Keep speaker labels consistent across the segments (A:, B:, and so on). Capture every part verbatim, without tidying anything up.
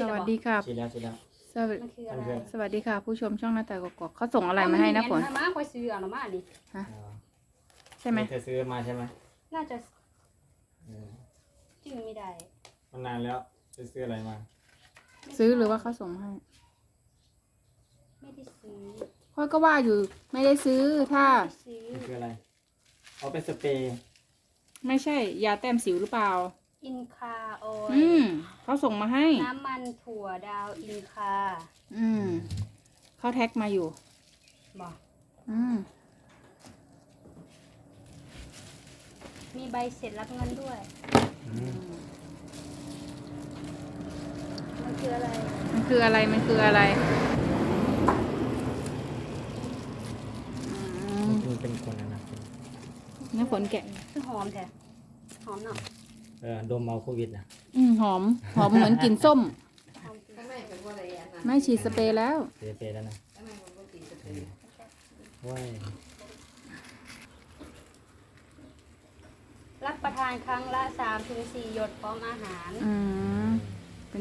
A: วัสดีค่ะ
B: ฉีดแล้วฉีดแล้ว
A: สวัส
C: มัน
A: ดี
C: คืออะไร
A: สวัสดีค่ะ ผู้ชมช่องหน้าแต่กอกๆเขาส่งอะไรมาให้นะฝน
C: เอามาคอยซื้อเอามาดิ
A: ฮะ
B: อ๋อ
A: ใช่ไหม
B: เธอซื้อมาใช่ไหม
C: น่าจะ
B: เออ
C: จื้อไม่ได้
B: มันนานแล้วจะซื้ออะไรมา
A: ซื้อหรือว่าเขาส่งมาให้
C: ไม่ได้ซื้อ
A: พ่อก็ว่าอยู่ไม่ได้ซื้อถ้า
C: ไม่ได้ซื้อ
B: มันคืออะไรเอาเป็นสเปรย์
A: ไม่ใช่ยาแต้มสิวหรือเปล่า
C: อินคาออย
A: อืมเขาส่งมาให้
C: น้ำมันถั่วดาวอินคา
A: อืมเขาแท็กมาอยู่
C: บอก
A: อืม
C: มีใบเสร็จรับเงินด้วย
B: อืม
C: มันคืออะไร
A: มันคืออะไรมันคืออะไรอืม
B: มันเป็นคนนะนะ
A: น้าฝนแกะ
C: คือหอมแท้หอมเนาะ
B: เออดมเอาโควิดนะ
A: อืมหอมหอมเหมือนกลิ่นส้ม
C: หอมจริง
A: ไม่ฉีดสเปรย์แล้ว
B: สเปรย์แล้วนะว้าย
C: รับประทานครั้งละสามถึงสี่หยดพร้อมอาหาร
A: อืมเป็น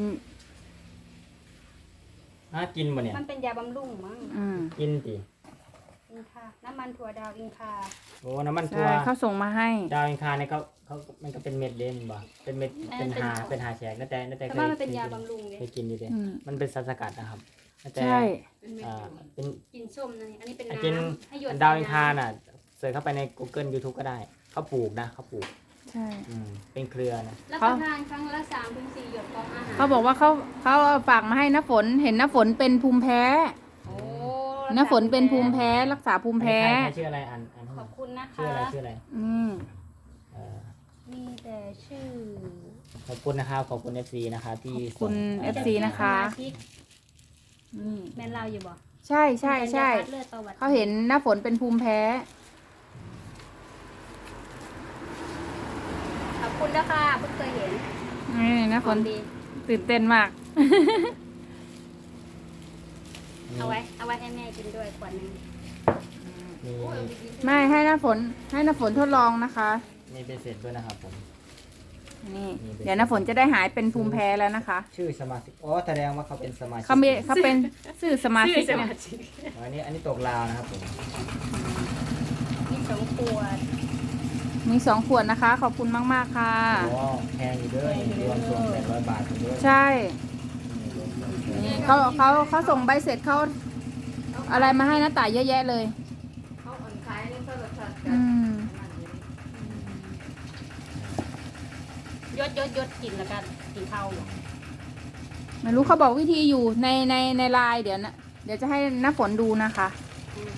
B: อ่ะกินบ่เนี่ย
C: มันเป็นยาบำรุงมั้ง
A: อืม
B: กินดิ
C: อินคาน้ำมันถั่วดาวอินคา
B: โอ้น้ำมันถั่
A: ใช่
B: ว
A: เขาส่งมาให้
B: ดาวอินคาเนี่ยเขาเขามันก็เป็นเม็ดเด่นบ่เป็นเม็ดเป็นหาเป็นหาแฉกนั่นแต่นั่นแต่
C: แต่
B: เคย
C: ว่ามันเป็นยาบำรุงเลย
B: เคยกินอยู่ดิ
A: อืม
B: มันเป็นสารสกัดนะครับนั่นแต่
A: ใช่
B: อ่าเป็น
C: กินส้มนะนี่อันนี้เป็น
B: อ่ะ
C: น้
B: กิน
C: ำให้หยด
B: ดาวอินคาน่ะเสิร์ชเข้าไปใน Google YouTube ก็ได้เขาปลูกนะเขาปลูก
A: ใช่
B: อืมเป็นเครือนะ
C: รับประทานครั้งละสามถึงสี่หยดพร้อมอาหาร
A: เขาบอกว่าเขาเขาเอาฝากมาให้น้าฝนเห็นน้าฝนเป็นภูมิแพ้
C: โอ้
A: น้าฝนเป็นภูมิแพ้รักษาภูมิแพ้
B: อันนี้ใครใครชื่ออะไรอ่านอ่านให้
C: ข
B: หน่
C: อ
B: อบ ย
C: คุณนะคะ
B: ชื่ออะไรชื่ออะไร
A: อืม
B: เอ่อ
C: มีแต่ชื่อ
B: ขอบคุณนะครับขอบคุณ เอฟ ซี นะครับที่
A: ขอบคุณ
B: ส่ง
A: เอฟซี นะคะ
C: สมาชิก
A: นี่
C: แม่นเราอยู่บ่
A: ใช่ใช่ใช่
C: เป็นยาคัดเลือดประวัติ
A: เขาเห็นน้าฝนเป็นภูมิแพ้
C: ขอบคุณนะคะเพิ่งเคยเห็น
A: นี่น้าฝน
C: หอมดี
A: ตื่นเต้นมาก
C: เอาไว้เอาไว้ให้แม่กินด้วยขวดหนึง
B: มี
A: ไม่ให้น้าฝนให้น้าฝนทดลองนะคะ
B: มีเป็นเสร็จด้วยนะครับผม
A: นี่เดี๋ยวน้าฝนจะได้หายเป็นภูมิแพ้แล้วนะคะ
B: ชื่อสมาชิกอ๋อแสดงว่าเขาเป็นสมาชิก
A: เขามีเขาเป็นสื่อสมาชิกเนี่ย
B: อ๋ออันนี้อันนี้ตกลาวนะครับผม
C: มีสองขวด
A: มีสองขวดนะคะ ขอบคุณมากๆค่ะ
B: โอ้แพงอยู่ด้วยรวมส่งแปดร้อยบาทอยู่ด้วย
A: ใช่
B: รวมส่งแปดร้อย
A: นี่เขาเขาเขาส่งใบเสร็จเขาอะไรมาให้น้าต่ายเยอะแยะเลย
D: เขาอ่อนคล้ายนี่เขาแบบสัตว์กั
A: อื
D: น
A: ม
C: ยดยดยดกินแล้วกันกินข้าวอยู่
A: ไม่รู้เขาบอกวิธีอยู่ในในในไลน์เดี๋ยวนะเดี๋ยวจะให้น้าฝนดูนะคะ
C: อืม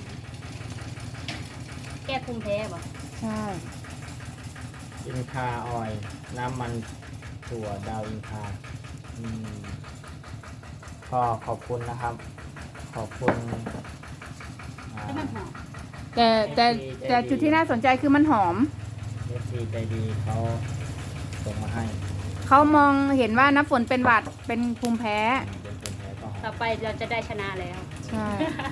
C: แก้ภูมิแพ้บ่
A: ใช่
B: อินคาออยล์น้ำมันถั่วดาวอินคาอืมก็ขอบคุณนะครับ ขอบคุณอ่า
C: ให้มันหอม
A: แต่แต่แต่จุดที่น่าสนใจคือมันหอม
B: เอฟซีใจดีเขาส่งมาให้
A: เขามองเห็นว่าน้าฝนเป็นหวัดเป็นภูมิแพ้
B: เป็นคนแพ้ก็หอ
C: ต่อ
B: ม
C: ไปเราจะได้ชนะแล้ว
A: ใช่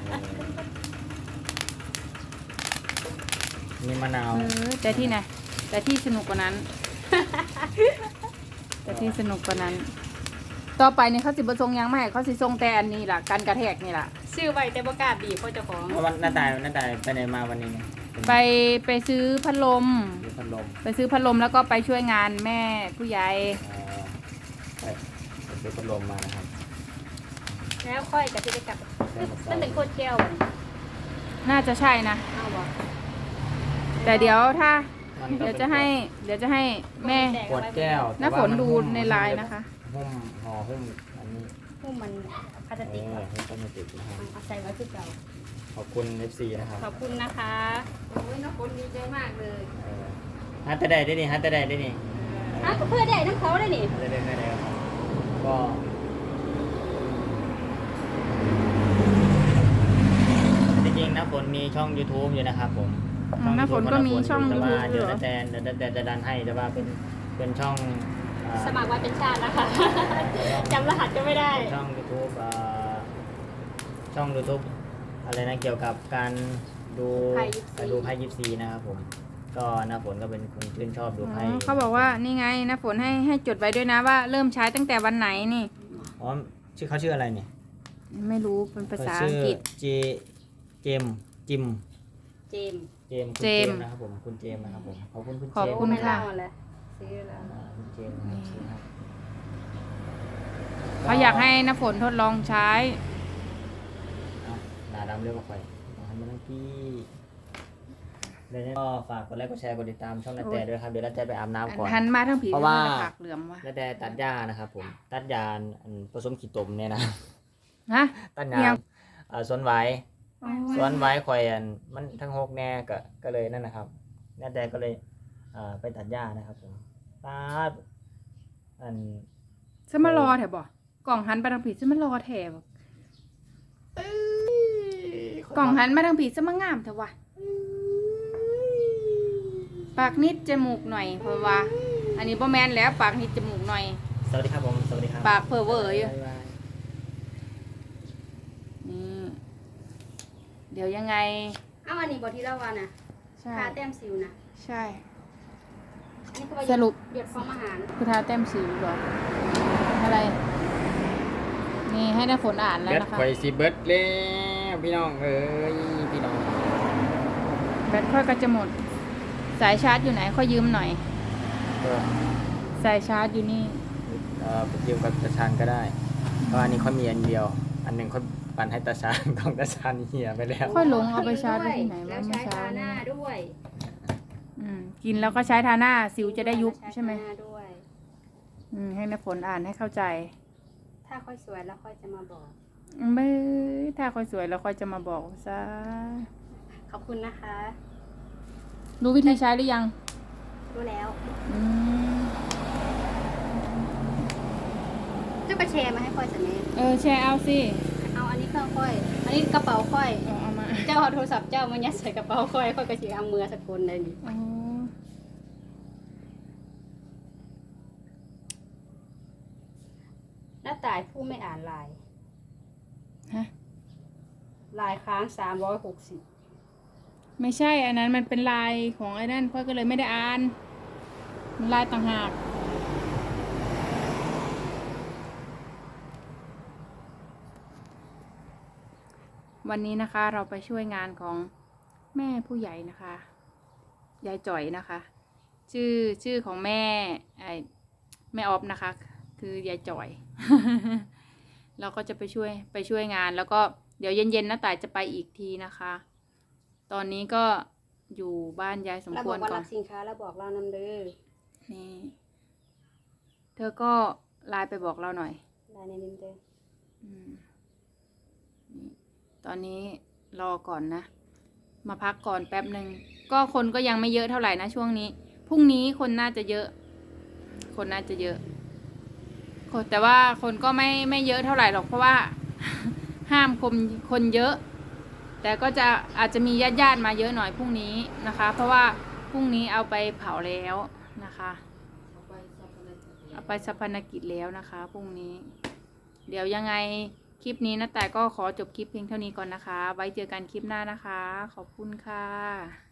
B: นี่มะนาว
A: เออแต่ที่ไหนแต่ที่สนุกกว่านั้น แต่ที่สนุกกว่านั้น ต่อไปเนี่ยเขาสิบประสงค์ยังไม่ให้เขาสิทรงแต่อันนี้ล่ะการกระแทกนี่ล่ะ
C: ชื่อไว้แต่บ่กล้าบีบเพราะเจ้าของ
B: แล้ววันหน้าตายหน้าตายไปไหนมาวันนี้เนี่ย
A: ไปไปซื้อพัดลม
B: ดูพัดลม
A: ไปซื้อพัดลมแล้วก็ไปช่วยงานแม่ผู้ใหญ่
B: เอ่อไปไปซื้อพัดลมมานะครับ
C: แล้วค่อยกับที่ได้กลับมันเป็นโคตรแก้วบ่
A: น่าจะใช่นะ
C: เอาบ่
A: แต่เดี๋ยวถ้า
B: มันก็
A: เดี๋ยว
B: ป็น
A: จะให้ เดี๋ยวจะให้แม่
B: ขวดแก้ว
A: น้าฝนดู
B: แต่ว่ามั
A: ในไลน์นะคะ
B: หุ้มห่อหุ้มอันนี้
C: หุ้มมันพลาส
B: เอ
C: ติก
B: อ
C: บ่
B: หุ้มพลาสติกนะครับ
C: เอาใส่ไว้คือเก่า
B: ขอบคุณ เอฟ ซี นะครับ
C: ขอบคุณนะคะ
D: โอ้ยน้องคนดีใจมากเลย
B: เออฮัตเตอร์ได้ได้นี่ฮัตเตอร์ได้ได้นี่
C: อ้าวก็เพื่อได้ทั้งเขาได้นี่
B: ฮัตเตอร์ได้ได้ได้ครับก็จริงๆนะฝนมีช่อง YouTube อยู่นะครับผม
A: อืมน้าฝนก็มีช่อง
B: แต่ว่า
A: YouTube
B: เดี๋ยว
A: เหรอ
B: แต่เดี๋ยวแต่จะดันให้แต่ว่าเป็นเป็นช่องอ่า
C: สมัครไว้เป็นชาตินะคะจำรหัสก็ไม่ได้
B: ช่อง YouTube อ่าช่อง YouTube อะไรนะเกี่ยวกับการดู
C: ไพ่ยิปซี
B: ดูไพ่ยิปซีนะครับผม ก็น้าฝนก็เป็นคนชื่นชอบดู
A: อ๋
B: ไพ่
A: อเขาบอกว่านี่ไงน้าฝนให้ให้จดไว้ด้วยนะว่าเริ่มใช้ตั้งแต่วันไหนนี่
B: ออ๋อชื่อเขาชื่ออะไรเนี่ย
A: ไม่รู้เป็นภาษา
B: ชื่
A: อังกฤษ
B: เจเจมจิม
C: เจมส์
B: เจมคุณ
A: เจ
B: เจ
A: ม
B: มนะครับผมคุณเจมนะครับผมขอบคุณคุณ
A: ขอบ
B: เจม
A: คุณ
C: ไม่
A: ค่ะ
C: เล่าเลยซื้อแล้ว
B: อ่าคุณเจมนะครับ
A: เขาอยากให้น้ำฝนทดลองใช้
B: เอาหนาดำเรียกว่าไฟอยากให้มันนั่งกี้เดี๋ยวนี้ก็ฝากกดไลค์กดแชร์กดติดตามช่องนาแต่ด้วยครับเดี๋ยวนาแต่ไปอาบน้ำก่อน
A: หันมาทั้งผี
B: เพราะว่า
A: ผักเหลือมว่ะ
B: นาแต่ตัดหญ้านะครับผมตัดหญ้าอันผสมขี้ตมเนี่ยนะ
A: ฮะ
B: ตัดห
A: เดี๋
B: ญ้า
A: ยว
B: อ่าสวนไว้ สวนไว้คอยอันมันทั้งหกแน่ก็ก็เลยนั่นนะครับนาแต่ก็เลยอ่าไปตัดหญ้านะครับผมตัดอัน
A: ฉันมารอแถบบ่กล่องหันไปทางผีฉันมารอแถบกล่องหันมาทางผีฉันมางามเถอะวะปากนิดจมูกหน่อยเพราะว่า อันนี้บ่แมนแล้วปากนิดจมูกหน่อย
B: สวัสดีครับผมสวัสดีครับ
A: ปากเพ้อเวออยู่
B: บ๊ายบาย
A: นี่เดี๋ยวยังไง
C: เอ้าอันนี้บอที่เล่าวันน่ะ
A: ใช่
C: ทาแต้มสิวนะ
A: ใช่
C: อันนี้คือว่า
A: สรุป
C: หยดฟองอาหาร
A: คือทาแต้มสิวเหรออะไร นี่ให้น้าฝนอ่านแล้ว
B: เบิด
A: นะคะ
B: ข่อยสิเบิดแล้วพี่น้องเอ้ยพี่น้อง
A: แบตค่อยก็จะหมด สายชาร์จอยู่ไหนค่อยยืมหน่อย
B: ก็
A: สายชาร์จอยู่นี่
B: เอ่อไปยืมกับตาชานก็ได้เพราะอันนี้เขามีอันเดียว อันหนึ่งเขาปั่นให้ตาชาน ของตาชานเหี่ยไปแล้ว
A: ค่อยลงเอาไปชาร์จไว้ที่ไหน
C: แล้ว
A: วะเมื่
C: ใช้
A: อเช้า
C: ทาห
A: นี้
C: น้าด้วย
A: อืมกินแล้วก็ใช้ทาหน้าสิวจะได้ยุบใช่ไหม
C: ทาน้าด้วย
A: อืมให้น้าฝนอ่านให้เข้าใจ
C: ถ้าค่อยสวยแล้วค่อยจะมาบอก
A: ไม่ถ้าค่อยสวยแล้วค่อยจะมาบอกซะ
C: ขอบคุณนะคะ
A: รู้วิธีใช้หรือยัง
C: รู้แล้ว
A: อืม
C: เจ้ากระแชร์มาให้ค่อยสักนิด
A: เออแชร์เอาสิ
C: เอาอันนี้เครื่องค่อย อันนี้กระเป๋าค่อย
A: เอาเอามา
C: เจ้าเอาโทรศัพท์เจ้ามายัดใส่กระเป๋าค่อยค่อยกระสีเอามือสกุลเลยนี่
A: อ๋อ
C: หน้าตายผู้ไม่อ่านลาย
A: ฮะ
C: ลายค้างสามร้อยหกสิบ
A: ไม่ใช่อันนั้นมันเป็นลายของไอ้นั่นค่อยก็เลยไม่ได้อ่านมันลายต่างหากวันนี้นะคะเราไปช่วยงานของแม่ผู้ใหญ่นะคะยายจ่อยนะคะ ชื่อชื่อของแม่ไอแม่ออฟนะคะ คือยายจ่อย เราก็จะไปช่วยไปช่วยงานแล้วก็เดี๋ยวเย็นๆน้าต่ายจะไปอีกทีนะคะ ตอนนี้ก็อยู่บ้านยายสม
C: เรา
A: ค
C: บ
A: ว
C: อ
A: ร
C: กว่า
A: ก่อ
C: รั
A: น
C: กสินค้าแล้วบอกเรานำเด้อ
A: นี่เธอก็ไลน์ไปบอกเราหน่อย
C: ลายในนินเด้อ
A: อืมนี่ตอนนี้รอก่อนนะ มาพักก่อนแป๊บหนึ่งก็คนก็ยังไม่เยอะเท่าไหร่นะช่วงนี้พรุ่งนี้คนน่าจะเยอะ คนน่าจะเยอะคนแต่ว่าคนก็ไม่ไม่เยอะเท่าไหร่หรอกเพราะว่า ห้ามคนคนเยอะ แต่ก็จะอาจจะมีญาติญาติๆมาเยอะหน่อยพรุ่งนี้นะคะ เพราะว่าพรุ่งนี้เอาไปเผาแล้วนะคะ เอาไปสัพพนกิจแล้วนะคะพรุ่งนี้ เดี๋ยวยังไงคลิปนี้นะแต่ก็ขอจบคลิปเพียงเท่านี้ก่อนนะคะ ไว้เจอกันคลิปหน้านะคะ ขอบคุณค่ะ